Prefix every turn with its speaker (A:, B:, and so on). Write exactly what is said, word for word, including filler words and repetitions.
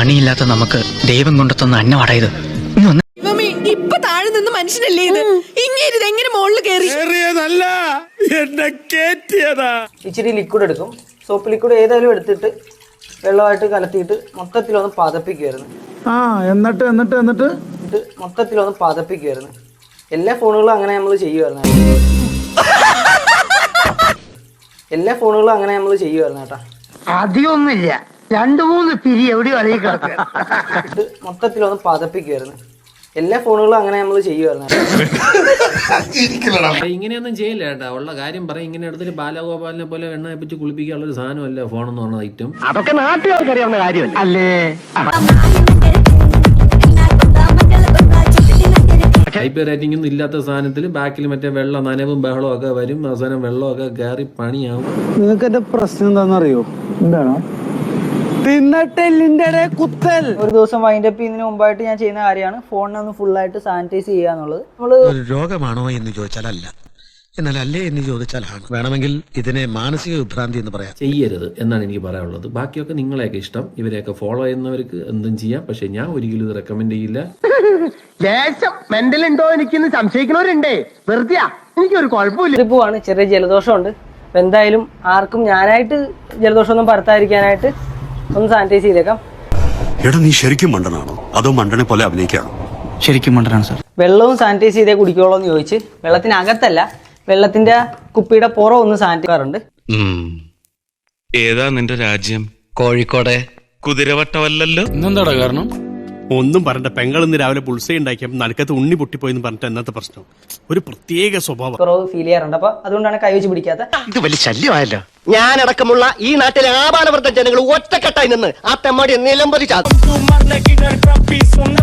A: പണിയില്ലാത്ത നമുക്ക് ദൈവം കൊണ്ടെത്തുന്ന അന്നമാടാ ഇത്.
B: ഇപ്പൊ താഴെ നിന്ന് മനുഷ്യനല്ലേ ഇത്, ഇങ്ങനെ എങ്ങനെ മുകളിൽ കയറി?
C: ഇച്ചിരി ലിക്വിഡ് എടുക്കും. സോപ്പ് ലിക്വിഡ് ഏതായാലും എടുത്തിട്ട് വെള്ളമായിട്ട് കലത്തിയിട്ട് മൊത്തത്തിലൊന്ന് പതപ്പിക്കുമായിരുന്നു.
D: ആ എന്നിട്ട് എന്നിട്ട് എന്നിട്ട്
C: ഇത് മൊത്തത്തിലൊന്ന് പതപ്പിക്കുമായിരുന്നു. എല്ലാ ഫോണുകളും അങ്ങനെ നമ്മൾ ചെയ്യുമായിരുന്നു എല്ലാ ഫോണുകളും അങ്ങനെ നമ്മൾ ചെയ്യുമായിരുന്നു കേട്ടാ.
E: അധികമൊന്നുമില്ല, രണ്ടു മൂന്ന് പിരി എവിടെയോ അലയി കിടക്കുക.
C: ഇത് മൊത്തത്തിലൊന്ന് പതപ്പിക്കുമായിരുന്നു. എല്ലാ ഫോണുകളും അങ്ങനെ നമ്മൾ ചെയ്യുമായിരുന്നു.
F: ഇങ്ങനെയൊന്നും ചെയ്യില്ല കേട്ടാ, ഉള്ള കാര്യം പറയും. ഇങ്ങനെ എടുത്തിട്ട് ബാലഗോപാലിനെ പോലെ എണ്ണ വെച്ച് കുളിപ്പിക്കാനുള്ള ഒരു സാധനമല്ല ഫോൺ എന്ന് പറഞ്ഞ ഐറ്റം.
E: അതൊക്കെ നാട്ടുകാർക്ക് അറിയാവുന്ന കാര്യമല്ല അല്ലേ.
F: ഹൈപ്പർ റേറ്റിംഗ് ഒന്നും ഇല്ലാത്ത സാധനത്തിൽ ബാക്കിൽ മറ്റേ വെള്ളം നനവും ബഹളവും ഒക്കെ വരും. അവസാനം വെള്ളമൊക്കെ കയറി പണിയാവും.
D: നിങ്ങൾക്ക് എന്റെ പ്രശ്നം എന്താണെന്നറിയോ? എന്താണോ തിന്നട്ടെല്ലിന്റെ കുത്തൽ.
C: ഒരു ദിവസം വൈൻഡ് അപ്പ് ചെയ്യുന്നതിന് മുമ്പായിട്ട് ഞാൻ ചെയ്യുന്ന കാര്യമാണ് ഫോണിനെ ഒന്ന് ഫുള്ളായിട്ട് സാനിറ്റൈസ് ചെയ്യുക എന്നുള്ളത്. നമ്മള്
G: രോഗമാണോ എന്ന് ചോദിച്ചാലല്ല, എന്നാൽ അല്ലേ എന്ന് ചോദിച്ചാലാണ്. വേണമെങ്കിൽ ഇതിനെ മാനസിക വിഭ്രാന്തി എന്ന് പറയാം.
F: ചെയ്യരുത് എന്നാണ് എനിക്ക് പറയാനുള്ളത്. ബാക്കിയൊക്കെ നിങ്ങളെയൊക്കെ ഇഷ്ടം. ഇവരെയൊക്കെ ഫോളോ ചെയ്യുന്നവർക്ക് എന്തും ചെയ്യാം. പക്ഷെ ഞാൻ ഒരിക്കലും ഇത് റെക്കമെൻഡ് ചെയ്യില്ല.
E: ലേശം മെന്റൽ ഉണ്ടോ എനിക്കിന്ന് സംശയിക്കുന്നവരുണ്ടേ. വെറുതെ എനിക്കൊരു കുഴപ്പമില്ല.
C: ട്രിപ്പുമാണ്, ചെറിയ ജലദോഷമുണ്ട്. അപ്പൊ എന്തായാലും ആർക്കും ഞാനായിട്ട് ജലദോഷം ഒന്നും പരത്താതിരിക്കാനായിട്ട് ഒന്ന് സാനിറ്റൈസ് ചെയ്തേക്കാം.
H: എടാ നീ ശരിക്കും മണ്ടനാണോ അതോ മണ്ടനെ പോലെ അഭിനയിക്കാണോ?
A: ശരിക്കും മണ്ടനാണ് സാർ.
C: വെള്ളവും സാനിറ്റൈസ് ചെയ്തേ കുടിക്കുള്ളൂ എന്ന് ചോദിച്ച് വെള്ളത്തിനകത്തല്ല, വെള്ളത്തിന്റെ കുപ്പിയുടെ പുറം ഒന്ന് സാനിറ്റൈസ് ചെയ്യാറുണ്ട്.
I: ഏതാ നിന്റെ രാജ്യം?
A: കോഴിക്കോടെ.
I: കുതിരവട്ടമല്ലല്ലോ.
A: ഇന്നെന്താടാ കാരണം?
J: ഒന്നും പറഞ്ഞ പെങ്ങളിന്ന് രാവിലെ പുൾസൈ ഉണ്ടാക്കിയപ്പോൾ നടുക്കത്ത് ഉണ്ണി പൊട്ടിപ്പോയെന്ന് പറഞ്ഞിട്ട് എന്നത്തെ പ്രശ്നം ഒരു പ്രത്യേക സ്വഭാവം
C: കുറവ് ഫീൽ ചെയ്യാറുണ്ട്. അപ്പൊ അതുകൊണ്ടാണ് കൈ വെച്ച് പിടിക്കാത്ത.
G: ഇത് വലിയ ശല്യമായല്ലോ.
E: ഞാനടക്കമുള്ള ഈ നാട്ടിലെ ആപാലവൃദ്ധ ജനങ്ങൾ ഒറ്റക്കെട്ടായി നിന്ന് ആ തെമ്മാടി നിലംപതി ചാകും.